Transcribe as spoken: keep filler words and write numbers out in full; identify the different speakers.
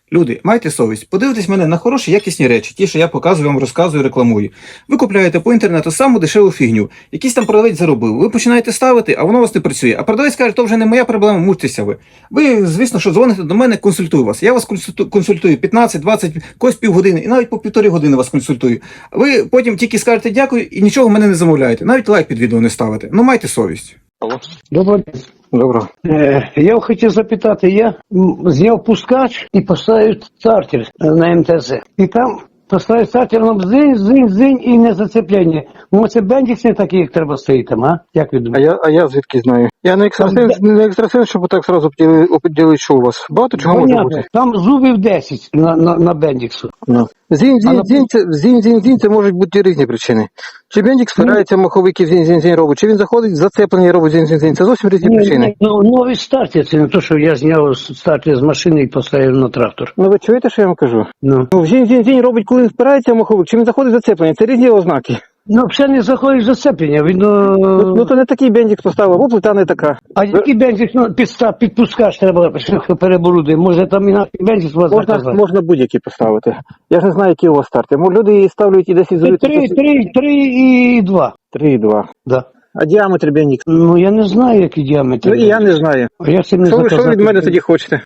Speaker 1: Люди, майте совість, подивитесь мене на хороші, якісні речі, ті, що я показую вам, розказую, рекламую. Ви купляєте по інтернету саму дешеву фігню, якийсь там продавець заробив. Ви починаєте ставити, а воно у вас не працює. А продавець каже, то вже не моя проблема, мучтеся ви. Ви, звісно, що дзвоните до мене, консультую вас. Я вас консульту- консультую п'ятнадцять, двадцять, когось півгодини, і навіть по півтори години вас консультую. Ви потім тільки скажете дякую і нічого в мене не замовляєте. Навіть лайк під відео не ставите. Ну майте совість.
Speaker 2: Доброго дня.
Speaker 1: Добре.
Speaker 2: Е, я хотів запитати, я м, зняв пускач і поставив стартер е, на ем те це. І там поставив стартер, воно бзинь, зинь, зинь і не зацепляння. Ну це бендікс не такий, як треба стоїть там, а? Як ви
Speaker 3: А
Speaker 2: думаєте?
Speaker 3: я, а я звідки знаю? Я не екстрасенс, не екстрасенс, щоб так сразу поділи- оприділити, що у вас. Багато чого може
Speaker 2: Понятно.
Speaker 3: бути.
Speaker 2: Там зубів десять на, на, на бендіксу.
Speaker 3: Ну. Зінь,
Speaker 2: А
Speaker 3: зінь,
Speaker 2: на-
Speaker 3: зінь, це, зінь, зінь, зінь, це можуть бути різні причини. Чи бендік спирається, маховики зінь, зінь, зінь робить, чи він заходить, зацеплення робить зінь, зінь, зінь. Це зовсім різні
Speaker 2: Ні,
Speaker 3: причини.
Speaker 2: ні, ну, новий стартер, це не то, що я зняв стартер з машини і поставив на трактор.
Speaker 3: Ну ви чуєте, що я вам кажу?
Speaker 2: Ну,
Speaker 3: Ну, зінь, зінь, зінь робить, коли він спирається маховик, чи він заходить зацеплення. Це різні ознаки.
Speaker 2: ну все не заходить зацеплення, він...
Speaker 3: Ну,
Speaker 2: Ну,
Speaker 3: ну то не такий бендік поставив, або плита не така.
Speaker 2: а який бензик, ну, підстав, підпускач треба переборудити. Може там інакше бензик у вас
Speaker 3: Можна,
Speaker 2: заказати?
Speaker 3: можна будь-які поставити. Я ж не знаю, які у вас старти. Мо люди її ставлять і десь ізолюють.
Speaker 2: Три, три, три і два.
Speaker 3: Три і два.
Speaker 2: Да.
Speaker 3: А діаметр бендік?
Speaker 2: Ну я не знаю, який діаметр.
Speaker 3: Ну і я не знаю.
Speaker 2: А я цим не
Speaker 3: Що ви, що ви
Speaker 2: заказати.
Speaker 3: від мене тоді хочете?